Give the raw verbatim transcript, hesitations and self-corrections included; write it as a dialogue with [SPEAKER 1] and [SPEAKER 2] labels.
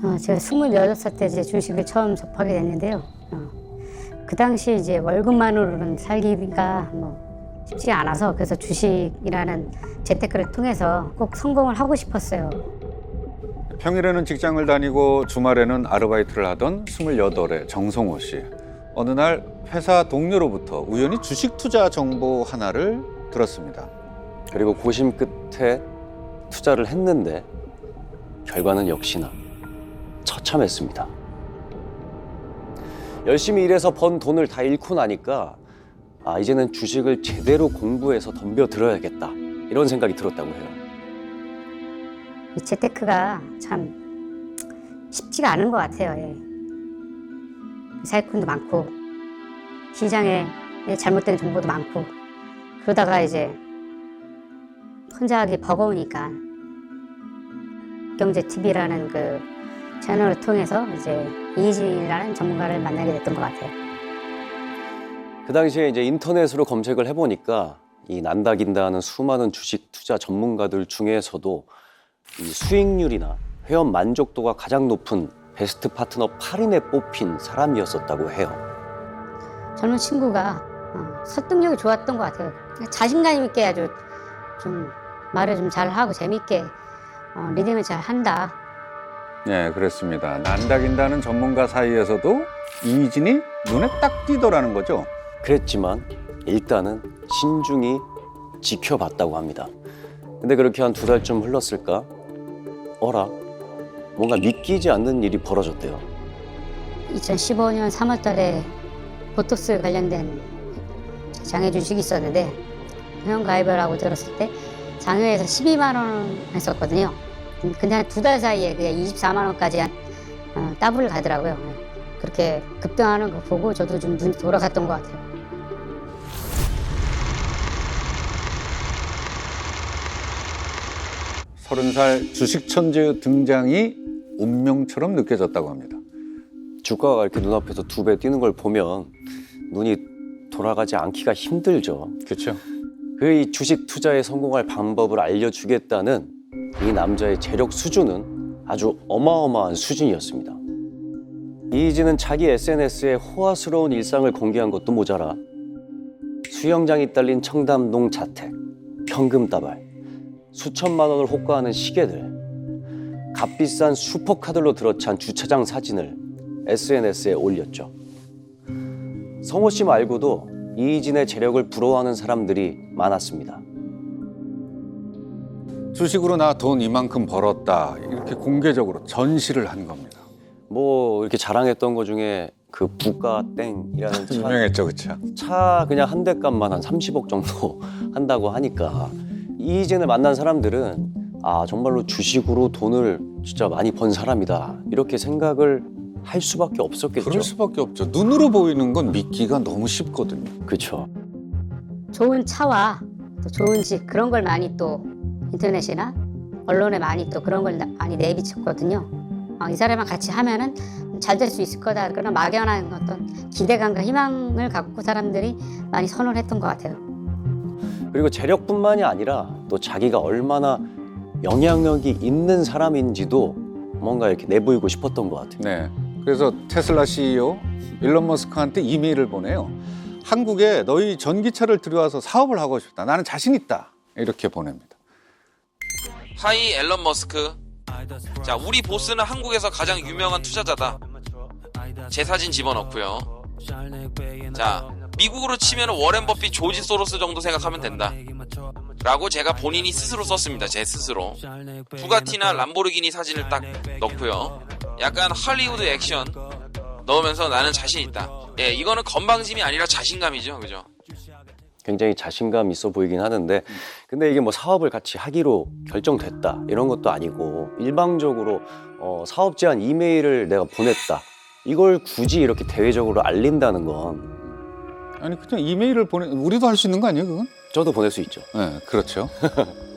[SPEAKER 1] 어, 제가 스물여덟 살 때 이제 주식을 처음 접하게 됐는데요. 어, 그 당시 이제 월급만으로는 살기가 뭐 쉽지 않아서 그래서 주식이라는 재테크를 통해서 꼭 성공을 하고 싶었어요.
[SPEAKER 2] 평일에는 직장을 다니고 주말에는 아르바이트를 하던 스물여덟의 정성호 씨. 어느 날 회사 동료로부터 우연히 주식 투자 정보 하나를 들었습니다.
[SPEAKER 3] 그리고 고심 끝에 투자를 했는데 결과는 역시나 처참했습니다. 열심히 일해서 번 돈을 다 잃고 나니까 아 이제는 주식을 제대로 공부해서 덤벼들어야겠다 이런 생각이 들었다고 해요.
[SPEAKER 1] 이 재테크가 참 쉽지가 않은 것 같아요. 예. 사기꾼도 많고 시장에 잘못된 정보도 많고 그러다가 이제 혼자 하기 버거우니까 경제티비라는 그 채널을 통해서 이제 이희진이라는 전문가를 만나게 됐던 것 같아요.
[SPEAKER 3] 그 당시에 이제 인터넷으로 검색을 해보니까 이 난다긴다 하는 수많은 주식 투자 전문가들 중에서도 이 수익률이나 회원 만족도가 가장 높은 베스트 파트너 팔 인에 뽑힌 사람이었었다고 해요.
[SPEAKER 1] 젊은 친구가 어, 설득력이 좋았던 것 같아요. 자신감 있게 아주 좀 말을 좀 잘하고 재밌게 어, 리딩을 잘 한다.
[SPEAKER 2] 네, 그렇습니다. 난다긴다는 전문가 사이에서도 이희진이 눈에 딱 띄더라는 거죠.
[SPEAKER 3] 그랬지만 일단은 신중히 지켜봤다고 합니다. 근데 그렇게 한 두 달쯤 흘렀을까? 어라? 뭔가 믿기지 않는 일이 벌어졌대요.
[SPEAKER 1] 이천십오 년 삼월 달에 보톡스 관련된 장외 주식이 있었는데 회원 가입을 하고 들었을 때 장외에서 십이만 원 했었거든요. 근데 한 두 달 사이에 그게 이십사만 원까지 한 어, 더블을 가더라고요. 그렇게 급등하는 거 보고 저도 좀 눈이 돌아갔던 것 같아요.
[SPEAKER 2] 서른 살 주식 천재 등장이 운명처럼 느껴졌다고 합니다.
[SPEAKER 3] 주가가 이렇게 눈앞에서 두 배 뛰는 걸 보면 눈이 돌아가지 않기가 힘들죠.
[SPEAKER 2] 그렇죠.
[SPEAKER 3] 그 이 주식 투자에 성공할 방법을 알려주겠다는 이 남자의 재력 수준은 아주 어마어마한 수준이었습니다. 이희진은 자기 에스엔에스에 호화스러운 일상을 공개한 것도 모자라 수영장이 딸린 청담동 자택, 현금다발, 수천만 원을 호가하는 시계들, 값비싼 슈퍼카들로 들어찬 주차장 사진을 에스엔에스에 올렸죠. 성호 씨 말고도 이희진의 재력을 부러워하는 사람들이 많았습니다.
[SPEAKER 2] 주식으로 나 돈 이만큼 벌었다 이렇게 공개적으로 전시를 한 겁니다.
[SPEAKER 3] 뭐 이렇게 자랑했던 것 중에 그 부가땡이라는 차,
[SPEAKER 2] 유명했죠, 그렇죠.
[SPEAKER 3] 차 그냥 한 대 값만 한 삼십억 정도 한다고 하니까 이희진을 만난 사람들은 아 정말로 주식으로 돈을 진짜 많이 번 사람이다 이렇게 생각을 할 수밖에 없었겠죠.
[SPEAKER 2] 그럴 수밖에 없죠. 눈으로 보이는 건 믿기가 너무 쉽거든요.
[SPEAKER 3] 그렇죠.
[SPEAKER 1] 좋은 차와 또 좋은 집 그런 걸 많이 또 인터넷이나 언론에 많이 또 그런 걸 많이 내비쳤거든요. 어, 이 사람이랑 같이 하면은 잘 될 수 있을 거다 그런 막연한 어떤 기대감과 희망을 갖고 사람들이 많이 선호를 했던 것 같아요.
[SPEAKER 3] 그리고 재력뿐만이 아니라 또 자기가 얼마나 영향력이 있는 사람인지도 뭔가 이렇게 내보이고 싶었던 것 같아요.
[SPEAKER 2] 네. 그래서 테슬라 씨이오 일론 머스크한테 이메일을 보내요. 한국에 너희 전기차를 들여와서 사업을 하고 싶다. 나는 자신 있다. 이렇게 보냅니다.
[SPEAKER 4] 하이 앨런 머스크. 자, 우리 보스는 한국에서 가장 유명한 투자자다. 제 사진 집어넣고요. 자, 미국으로 치면 워렌 버핏, 조지 소로스 정도 생각하면 된다 라고 제가 본인이 스스로 썼습니다. 제 스스로. 부가티나 람보르기니 사진을 딱 넣고요. 약간 할리우드 액션 넣으면서 나는 자신 있다. 예, 이거는 건방짐이 아니라 자신감이죠. 그죠?
[SPEAKER 3] 굉장히 자신감 있어 보이긴 하는데 근데 이게 뭐 사업을 같이 하기로 결정됐다 이런 것도 아니고 일방적으로 어, 사업 제안 이메일을 내가 보냈다 이걸 굳이 이렇게 대외적으로 알린다는 건
[SPEAKER 2] 아니 그냥 이메일을 보내 우리도 할 수 있는 거 아니에요, 그건?
[SPEAKER 3] 저도 보낼 수 있죠.
[SPEAKER 2] 네, 그렇죠.